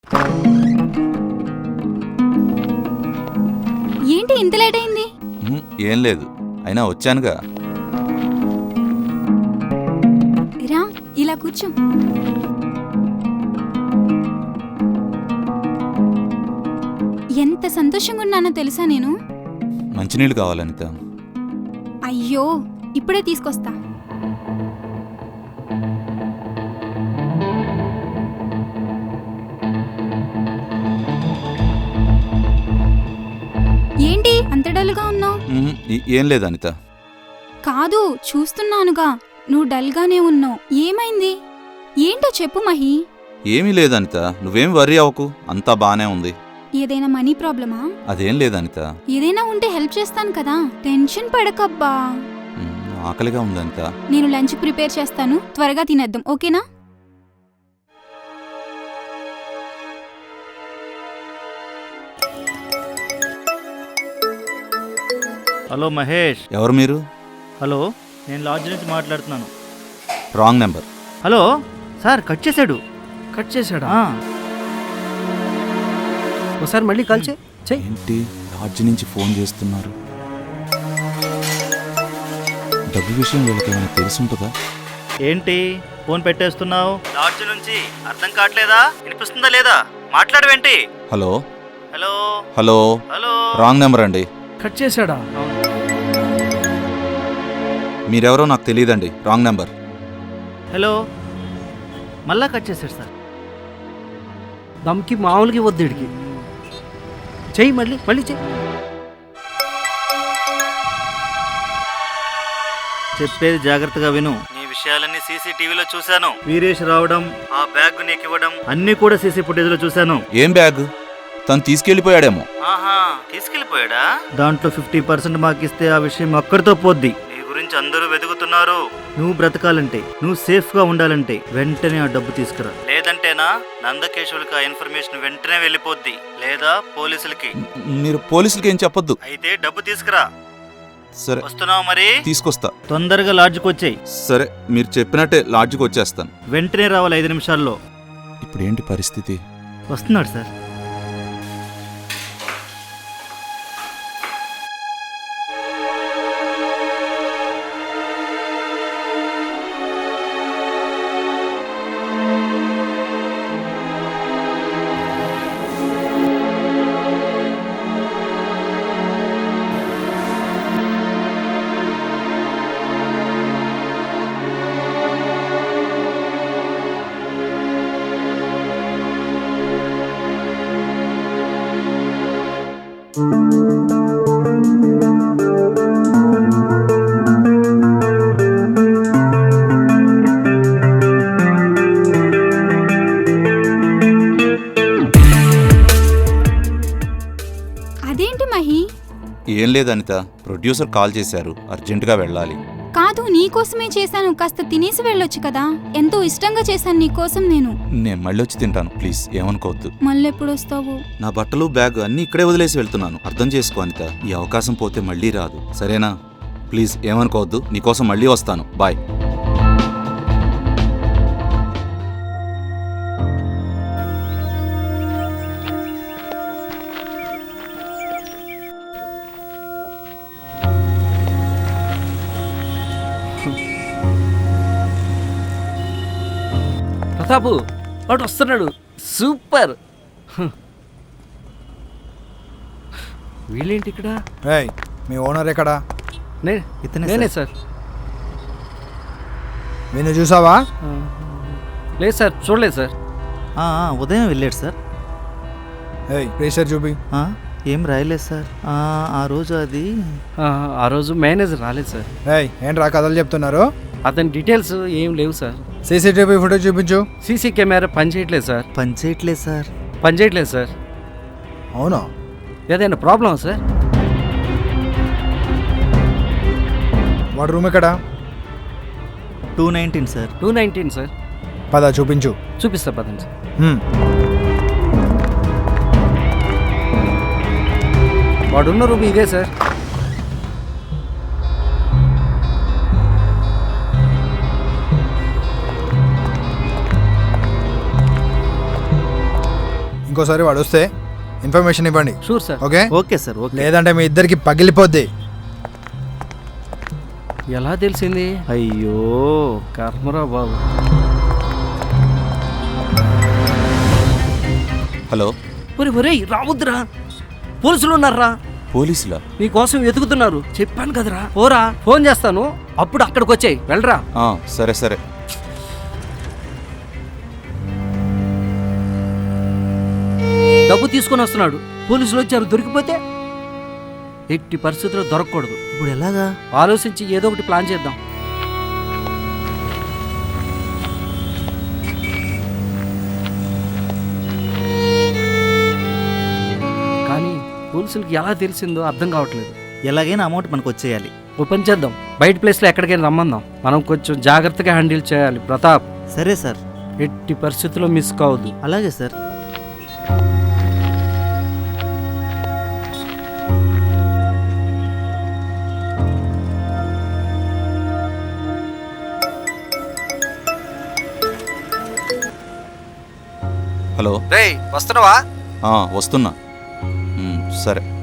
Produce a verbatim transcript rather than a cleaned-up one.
ఏంటి ఇంత లేట్ అయింది? ఏం లేదు, అయినా వచ్చానుగా. రా, ఇలా కూర్చో. ఎంత సంతోషంగా ఉన్నానో తెలుసా నేను. మంచినీళ్ళు కావాలి అనిత. అయ్యో, ఇప్పుడే తీసుకొస్తా. ఏంటి అంత డల్గా ఉన్నావు? ఏం లేదు అనిత. కాదు, చూస్తున్నానుగా నువ్వు డల్గానే ఉన్నావు. ఏమైంది? ఏంటో చెప్పు మహి. ఏమీ లేదు అనిత, నువ్వేం వర్రీ అవ్వకు, అంతా బానే ఉంది. ఏదైనా మనీ ప్రాబ్లమా? అదేం లేదు అనిత. ఏదైనా ఉంటే హెల్ప్ చేస్తాను కదా, టెన్షన్ పడకబ్బా. ఆకలిగా ఉంది అనిత. నేను లంచ్ ప్రిపేర్ చేస్తాను, త్వరగా తినేద్దాం, ఓకేనా? హలో మహేష్. ఎవరు మీరు? హలో, నేను లాడ్జ్ నుంచి మాట్లాడుతున్నాను. Wrong number. Hello sir, cut చేశాడు. కట్ చేశాడా? ఆ, ఒకసారి మళ్ళీ కాల్ చే చెయ్యి. ఏంటి లాడ్జ్ నుంచి ఫోన్ చేస్తున్నారు? డబ్బు విషయం వీళ్ళకి ఏమైనా తెలుసుంటుందా? ఏంటి ఫోన్ పెట్టేస్తున్నావు? లాడ్జ్ నుంచి అర్థం కావట్లేదా? వినిపిస్తుందా లేదా? మాట్లాడవేంటి? Hello hello hello hello. Wrong number అండి. కట్ చేశాడా? మీరెవరో నాకు తెలియదండి, రాంగ్ నెంబర్. హలో, మళ్ళా కట్ చేశాడు సార్. దమ్కి మామూలుగా వద్దు ఇడికి. చెయ్యి, మళ్ళీ మళ్ళీ చెయ్యి. చెప్పేది జాగ్రత్తగా విను. నీ విషయాలన్నీ సీసీటీవీలో చూశాను. వీరేష్ రావడం, ఆ బ్యాగ్ నీకు ఇవ్వడం అన్ని కూడా సీసీ ఫుటేజ్ లో చూశాను. ఏం బ్యాగ్? తను తీసుకెళ్లిపోయాడేమో. ఆహా, తీసుకెళ్లిపోయాడా? దాంట్లో ఫిఫ్టీ పర్సెంట్ మాకిస్తే ఆ విషయం అక్కడితో పోద్ది. నీ గురించి అందరూ వెతుకుతున్నారు. నువ్వు బ్రతకాలంటే, నువ్వు సేఫ్ గా ఉండాలంటే వెంటనే ఆ డబ్బు తీసుకురా. లేదంటేనా నందకేశ్వరికి ఆ ఇన్ఫర్మేషన్ వెంటనే వెళ్ళిపోద్ది, లేదా పోలీసులకి. మీరు పోలీసులకి ఏం చెప్పొద్దు. అయితే డబ్బు తీసుకురా. సరే, వస్తున్నావు మరి? తీసుకొస్తా. తొందరగా లాడ్జ్కి వచ్చేయి. సరే, మీరు చెప్పినట్టే లాడ్జ్కి వచ్చేస్తాను. వెంటనే రావాలి, ఐదు నిమిషాల్లో. ఇప్పుడు ఏంటి పరిస్థితి? వస్తున్నాడు సార్. అదేంటి మహి? ఏం లేదు అనిత, ప్రొడ్యూసర్ కాల్ చేశారు, అర్జెంటుగా వెళ్ళాలి. కాదు, నీకోసమే చేశాను, కాస్త తినేసి వెళ్ళొచ్చు కదా. ఎంతో ఇష్టంగా చేశాను నీకోసం నేను. నేను మళ్ళీ వచ్చి తింటాను, ప్లీజ్ ఏమనుకోవద్దు. మళ్ళెప్పుడు వస్తావు? నా బట్టలు బ్యాగ్ అన్నీ ఇక్కడే వదిలేసి వెళ్తున్నాను, అర్థం చేసుకో అనిత. ఈ అవకాశం పోతే మళ్ళీ రాదు, సరేనా? ప్లీజ్ ఏమనుకోవద్దు, నీకోసం మళ్ళీ వస్తాను. బాయ్. ప్రతాపు వాడు వస్తున్నాడు. సూపర్. వీళ్ళేంటి ఇక్కడ? ఏయ్, మీ ఓనర్ ఎక్కడా? నే ఇతనే నేనే సార్. సార్. నేను చూసావా? లేదు సార్, చూడలేదు సార్. ఆ, ఆ, ఉదయం వెళ్ళాడు సార్. ఏయ్, ప్రెషర్ చూపి. ఆ, ఏం రాయలేదు సార్. ఆ, ఆ రోజు అది ఆ, ఆ రోజు మేనేజర్ రాలేదు సార్. ఏయ్, ఏంట్రా కథలు చెప్తున్నారు? అతని డీటెయిల్స్ ఏం లేవు సార్. సీసీటీవీ ఫుటేజ్ చూపించు. సీసీ కెమెరా పని చేయట్లేదు సార్. పని చేయట్లేదు సార్. పని చేయట్లేదు సార్. అవునా? ఏదైనా ప్రాబ్లమా సార్? వాడు రూమ్ ఎక్కడా? Two nineteen sir. Two nineteen sir. పద చూపించు. చూపిస్తా పదండి సార్. హ్మ్. వాడున్న రూమ్ ఇదే సార్. ఇంకోసారి వాడు వస్తే ఇన్ఫర్మేషన్ ఇవ్వండి. Sure sir. Okay okay sir okay. లేదంటే మీ ఇద్దరికి పగిలిపోద్ది. ఎలా తెలిసింది? అయ్యో కర్మరా బాబు. హలో, ఒరే ఒరే రావద్దురా, పోలీసులు ఉన్నారా, పోలీసులా? నీకోసం వెతుకుతున్నారు. చెప్పాను కదరా. పోరా, ఫోన్ చేస్తాను అప్పుడు అక్కడికి వచ్చాయి. వెళ్ళరా. ఆ, సరే సరే. డబ్బు తీసుకొని వస్తున్నాడు, పోలీసులు వచ్చారు. దొరికిపోతే ఎట్టి పరిస్థితుల్లో దొరకకూడదు. ఇప్పుడు ఎలాగా? ఆలోచించి ఏదో ఒకటి ప్లాన్ చేద్దాం. కానీ పోలీసులకి ఎలా తెలిసిందో అర్థం కావట్లేదు. ఎలాగైనా అమౌంట్ మనకు వచ్చేయాలి. ఓపెన్ చేద్దాం. బయట ప్లేస్లో ఎక్కడికైనా రమ్మందాం. మనం కొంచెం జాగ్రత్తగా హ్యాండిల్ చేయాలి. ప్రతాప్, సరే సార్. ఎట్టి పరిస్థితుల్లో మిస్ కావద్దు. అలాగే సార్. హలో, రేయ్ వస్తున్నావా? ఆ, వస్తున్నా. మ్, సరే.